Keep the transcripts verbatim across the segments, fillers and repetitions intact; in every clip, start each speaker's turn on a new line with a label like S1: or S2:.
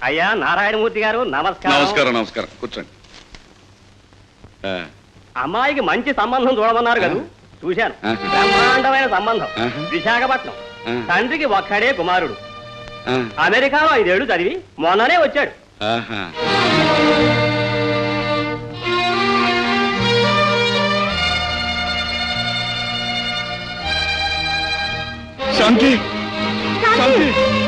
S1: అయ్యా నారాయణమూర్తి గారు నమస్కారం.
S2: నమస్కారం నమస్కారం కూర్చోండి.
S1: అమ్మాయికి మంచి సంబంధం చూడమన్నారు కదా, చూశాను. బ్రహ్మాండమైన సంబంధం. విశాఖపట్నం. తండ్రికి ఒక్కడే కుమారుడు. అమెరికాలో ఐదేళ్లు చదివి మొన్ననే వచ్చాడు.
S2: శాంతి శాంతి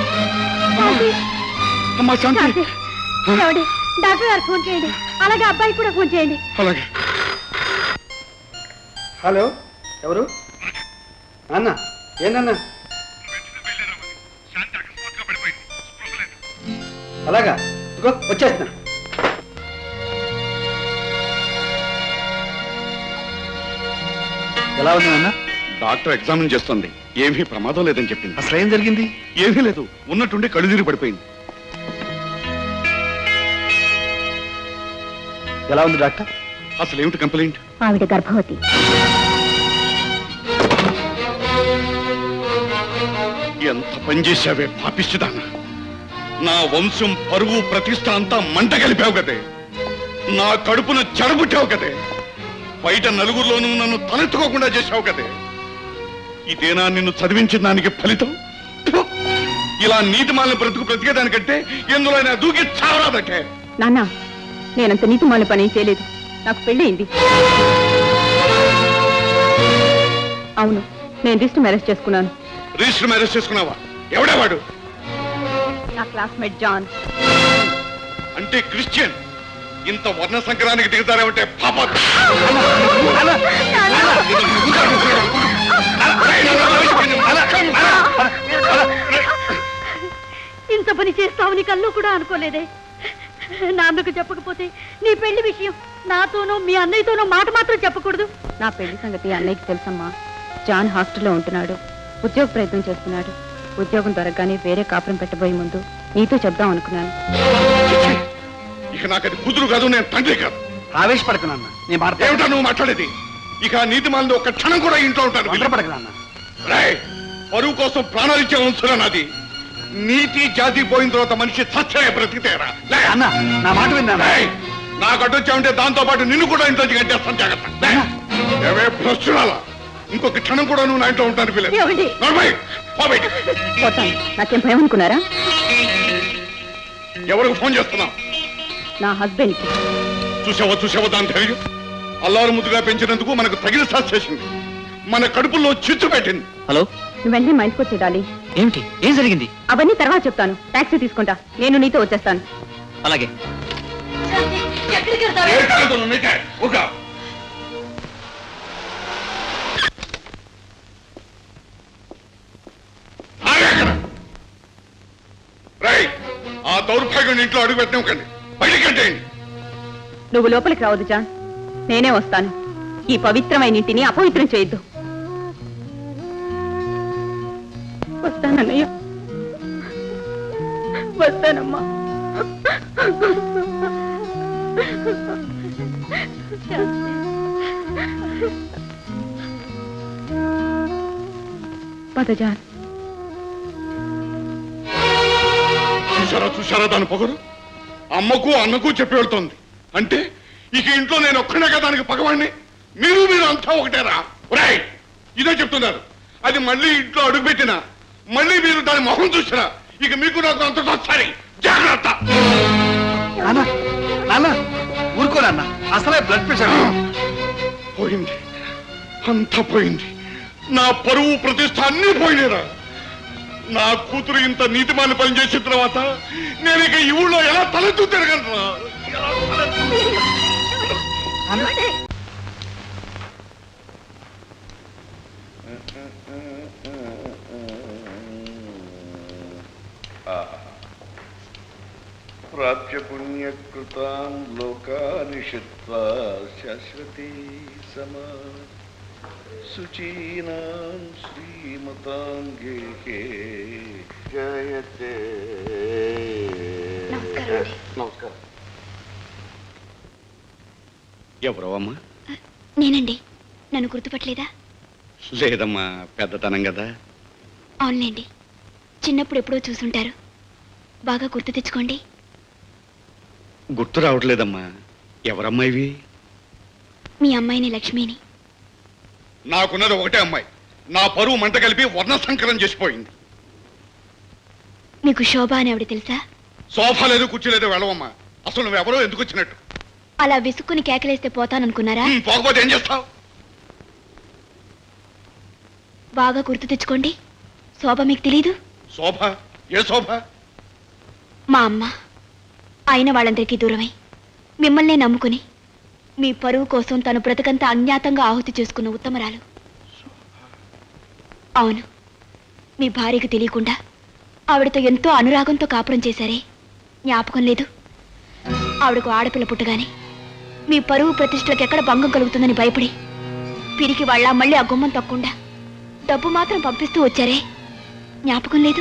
S2: అమ్మా శాంతి,
S3: డాక్టర్ గారు ఫోన్ చేయండి, అలాగే అబ్బాయి కూడా ఫోన్ చేయండి.
S2: అలాగే.
S4: హలో, ఎవరు? అన్న ఏందన్నా? అలాగా, ఇదిగో వచ్చేస్తున్నా. ఎలా ఉంది అన్న?
S2: డాక్టర్ ఎగ్జామిన్ చేస్తుంది. ఏమీ ప్రమాదం లేదని చెప్పింది.
S4: అసలు ఏం జరిగింది?
S2: ఏమీ లేదు, ఉన్నట్టుండి కళ్ళు తిరిగి పడిపోయింది.
S4: ఎలా ఉంది డాక్టర్?
S2: అసలు ఏమిటి కంప్లైంట్?
S3: ఆవిడ గర్భవతి.
S2: ఎంత పనిచేసావే పాపిస్తుదాన్న. నా వంశం పరువు ప్రతిష్ట అంతా మంట కలిపావు కదే. నా కడుపున చెడబుట్టావు కదే. బయట నలుగురిలోనూ నన్ను తలెత్తుకోకుండా చేశావు కదే. ఇదేనా నిన్ను చదివించిన దానికి ఫలితం? ఇలా నీతి మాలిన బ్రతుకు బ్రతికేదానికంటే ఎందులో అయినా దూకి చావరాదకే.
S3: నాన్న, నేనంత నీతి మాలిన పని చేయలేదు. నాకు పెళ్ళయింది. అవును, నేను రిజిస్టర్ మ్యారేజ్ చేసుకున్నాను.
S2: రిజిస్టర్ మ్యారేజ్ చేసుకున్నావా? ఎవడేవాడు?
S3: నా క్లాస్మేట్ జాన్.
S2: అంటే క్రిస్టియన్. ఇంత వర్ణ సంక్రానికి దిగుతారేమంటే పాప.
S3: ఇంత పని చేస్తావని కళ్ళు కూడా అనుకోలేదే. నాన్నకు చెప్పకపోతే నీ పెళ్లి విషయం నాతోనూ మీ అన్నయ్యతోనూ మాట మాత్రం చెప్పకూడదు. నా పెళ్లి సంగతి అన్నయ్యకి తెలుసమ్మా. జాన్ హాస్టల్లో ఉంటున్నాడు, ఉద్యోగ ప్రయత్నం చేస్తున్నాడు. ఉద్యోగం దొరకగానే వేరే కాపురం పెట్టబోయే ముందు నీతో చెప్దాం అనుకున్నాను.
S2: ఇక నాకు అది కూతురు కాదు, నేను తండ్రి కాదు.
S4: ఆవేశపడకనన్నా,
S2: ఏమిటా నువ్వు మాట్లాడేది? ఇక నీతి మాలిన ఒక్క క్షణం కూడా ఇంట్లో ఉంటాను.
S4: నిద్రపడకనన్నా.
S2: రాయ్, పరువు కోసం ప్రాణాలు ఇచ్చే వంశం నాది. నీతి జాతి పోయిన తర్వాత మనిషి సత్య బ్రతికితేరా.
S4: అన్న, నా మాట విన్నా.
S2: నాకు అడ్డొచ్చామంటే దాంతో పాటు నిన్ను కూడా ఇంట్లో కట్టేస్తాను. జాగ్రత్త. ఏవే ప్రశ్నలా, ఇంకొక క్షణం కూడా నువ్వు నా ఇంట్లో ఉంటాను.
S3: నాకేం భయం అనుకున్నారా?
S2: ఎవరికి ఫోన్ చేస్తున్నావు?
S3: నా హస్బెండ్ కి.
S2: చూసావా చూసావా దాని ధైర్యం? అల్లారు ముద్దుగా పెంచినందుకు మనకు తగిన సాక్షి చేసింది. మన కడుపుల్లో చిచ్చు పెట్టింది.
S5: హలో,
S3: నువ్వు వెంటనే మా ఇంటికి వచ్చేయాలి.
S5: ఏమిటి? ఏం జరిగింది?
S3: అవన్నీ తర్వాత చెప్తాను. టాక్సీ తీసుకుంటా, నేను నీతో వచ్చేస్తాను.
S5: అలాగే.
S2: ఆ దౌర్భాగ్యం ఇంట్లో అడుగు పెట్టినకండి, బయటకంటేయండి.
S3: నువ్వు లోపలికి రావద్దు జాన్, నేనే వస్తాను. ఈ పవిత్రమైన ఇంటిని అపవిత్రం చేయొద్దు. వస్తానన్నయ్య, వస్తానమ్మా. పద జాన్.
S2: చూసారా చూసారా దాని పొగరు? అమ్మకు అన్నకు చెప్పి వెళ్తోంది. అంటే ఇక ఇంట్లో నేను ఒక్కడే కదా దానికి పగవాడిని. మీరు మీరు అంతా ఒకటేరా. రాయ్, ఇదే చెప్తున్నారు. అది మళ్ళీ ఇంట్లో అడుగుపెట్టినా, మళ్ళీ మీరు దాని మొహం చూసినా, ఇక మీకు నాకు అంతటా సరే. జాగ్రత్త.
S4: ఊరుకోనన్నా, అసలే బ్లడ్ ప్రెషర్
S2: పోయింది, అంతా పోయింది. నా పరువు ప్రతిష్ట అన్నీ పోయినారా. నా కూతురు ఇంత నీతిమాన పని చేసిన తర్వాత నేను ఇక ఈ ఊళ్ళో ఎలా తలెత్తు తిరగలరా?
S6: ప్రాప్య పుణ్యకృతాం లోకాని శిత్వా శాశ్వతీ సమా శుచీనాం శ్రీమతాంగే జయతే.
S2: నమస్కారం. ఎవరో అమ్మా?
S7: నేనండి. నన్ను గుర్తుపట్టలేదా?
S2: లేదమ్మా, పెద్దతనం కదా.
S7: అవునులేండి, చిన్నప్పుడు ఎప్పుడో చూసుంటారు. బాగా గుర్తు తెచ్చుకోండి.
S2: గుర్తు రావట్లేదమ్మా. ఎవరమ్మా ఇవి?
S7: మీ అమ్మాయిని లక్ష్మిని.
S2: నాకున్నది ఒకటే అమ్మాయి. నా పరువు మంట కలిపి వర్ణ సంకరం చేసిపోయింది.
S7: మీకు శోభ అని ఆవిడ తెలుసా?
S2: సోఫా లేదు, కుర్చీ లేదు, వెళ్ళవమ్మా. అసలు నువ్వెవరో ఎందుకు వచ్చినట్టు?
S7: అలా విసుక్కుని కేకలేస్తే పోతాననుకున్నారా?
S2: హ్మ్, పోకపోతే ఏం చేస్తావు?
S7: బాగా గుర్తు తెచ్చుకోండి. శోభ మీకు తెలీదు?
S2: శోభ? ఏ శోభ?
S7: మా అమ్మ అయిన వాళ్ళందరికీ దూరమై మిమ్మల్నే నమ్ముకుని మీ పరువు కోసం తను బ్రతకంతా అజ్ఞాతంగా ఆహుతి చేసుకున్న ఉత్తమరాలు. అవును, మీ భార్యకు తెలియకుండా ఆవిడతో ఎంతో అనురాగంతో కాపురం చేశారే, జ్ఞాపకం లేదు? ఆవిడకు ఆడపిల్ల పుట్టగానే మీ పరువు ప్రతిష్టలకు ఎక్కడ భంగం కలుగుతుందని భయపడి పిరికి వాళ్ళ మళ్ళీ ఆ గుమ్మం తక్కకుండా డబ్బు మాత్రం పంపిస్తూ వచ్చారే, జ్ఞాపకం లేదు?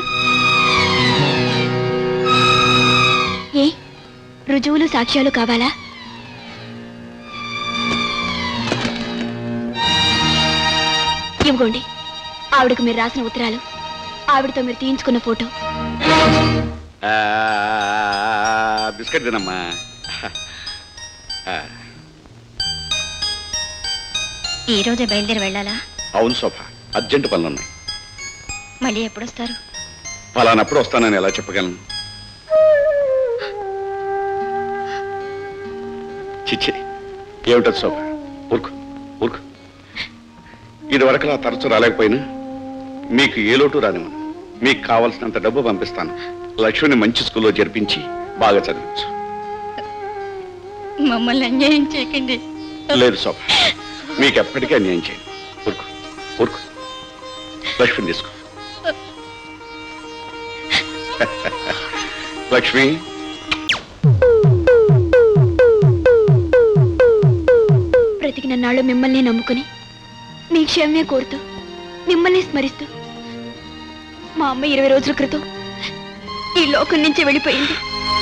S7: ఏ రుజువులు సాక్ష్యాలు కావాలా? ఇవ్వండి ఆవిడకు మీరు రాసిన ఉత్తరాలు, ఆవిడతో మీరు తీయించుకున్న ఫోటో.
S2: బిస్కెట్ తినమ్మా.
S7: ఈ రోజే బయలుదేరి వెళ్ళాలా?
S2: అవును శోభ, అర్జెంటు పనులున్నాయి.
S7: మళ్ళీ ఎప్పుడొస్తారు?
S2: ఫలానప్పుడు వస్తానని ఎలా చెప్పగలను? చిచ్చి, ఏమిటది శోభ? ఊరుకు ఊరుకు. ఇది వరకు నా తరచు రాలేకపోయినా మీకు ఏ లోటు రానివ్వను. మీకు కావలసినంత డబ్బు పంపిస్తాను. లక్ష్మిని మంచి స్కూల్లో జరిపించి బాగా చదివించు.
S3: మమ్మల్ని అన్యాయం చేయకండి.
S2: లేదు శోభ, మీకు ఎప్పటికీ అన్యాయం చేయను. ఊరుకు ఊరుకు. లక్ష్మిని తీసుకో. లక్ష్మి,
S7: బ్రతికిన నాళ్ళు మిమ్మల్ని నమ్ముకుని మీ క్షేమే కోరుతూ మిమ్మల్ని స్మరిస్తూ మా అమ్మ ఇరవై రోజుల క్రితం ఈ లోకం నుంచి వెళ్ళిపోయింది.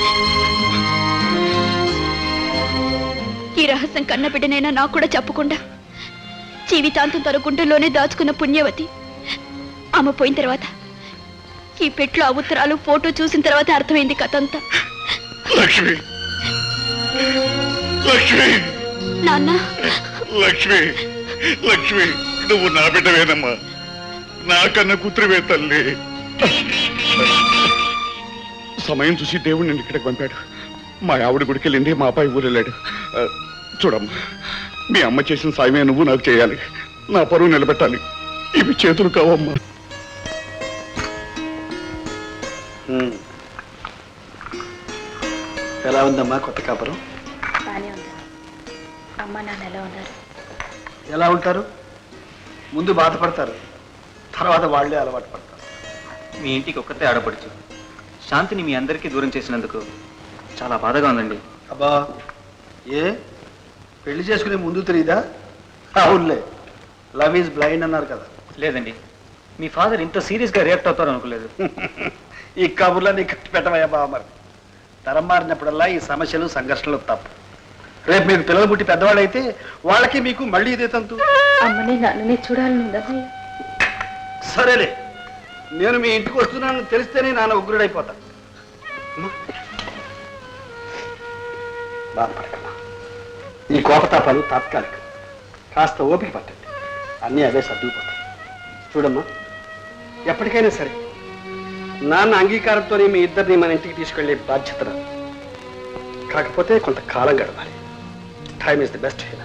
S7: ఈ రహస్యం కన్న బిడ్డనైనా నాకు కూడా చెప్పకుండా జీవితాంతం తన గుండెల్లోనే దాచుకున్న పుణ్యవతి ఆమె పోయిన తర్వాత ఈ పెట్లో ఆ ఉత్తరాలు ఫోటో చూసిన తర్వాత అర్థమైంది కథ అంతా.
S2: లక్ష్మి, లక్ష్మి,
S7: నాన్న,
S2: లక్ష్మి, లక్ష్మి, నువ్వు నా బిడ్డవేనమ్మా. నాకన్నా కూతురువే తల్లి. సమయం చూసి దేవుడు నిన్ను ఇక్కడికి పంపాడు. మా ఆవిడ గుడికి వెళ్ళింది, మా అబ్బాయి ఊరు వెళ్ళాడు. ఆ, చూడమ్మా, మీ అమ్మ చేసిన సాయమే నువ్వు నాకు చేయాలి. నా పరువు నిలబెట్టాలి. ఇవి చేతులు కావమ్మా.
S4: ఎలా ఉందమ్మా కొత్త కాపురం?
S3: బానే ఉంది. అమ్మ నాన్న ఎలా ఉన్నారు?
S4: ఎలా ఉంటారు? ముందు బాధపడతారు, తర్వాత వాళ్ళే అలవాటు పడతారు.
S5: మీ ఇంటికి ఒక్కతే ఆడపడుచు శాంతిని మీ అందరికీ దూరం చేసినందుకు చాలా బాధగా ఉందండి.
S4: అబ్బా, ఏ పెళ్లి చేసుకునే ముందు తెలియదా? అవునులే, లవ్ ఈజ్ బ్లైండ్ అన్నారు కదా.
S5: లేదండి, మీ ఫాదర్ ఇంత సీరియస్గా రియాక్ట్ అవుతారు అనుకోలేదు.
S4: ఈ కబుర్లన్నీ కట్టి పెట్టమయ్యా బావ. మరి తరం మారినప్పుడల్లా ఈ సమస్యలు సంఘర్షణలు తప్పు. రేపు మీకు పిల్లలు పుట్టి పెద్దవాళ్ళు అయితే వాళ్ళకి మీకు మళ్ళీ ఇదే తంతు.
S3: అమ్మని నాన్నని చూడాలని.
S4: సరేలే, నేను మీ ఇంటికి వస్తున్నానని తెలిస్తేనే నాన్న ఉగ్రుడైపోతా. బాధపడకమ్మా, ఈ కోపతాపాలు తాత్కాలిక. కాస్త ఓపిక పట్టండి, అన్నీ అవే సర్దుకుపోతాయి. చూడమ్మా, ఎప్పటికైనా సరే నాన్న అంగీకారంతోనే మీ ఇద్దరిని మన ఇంటికి తీసుకెళ్లే బాధ్యత నాది. కాకపోతే కొంతకాలం గడపాలి. Time is the best healer.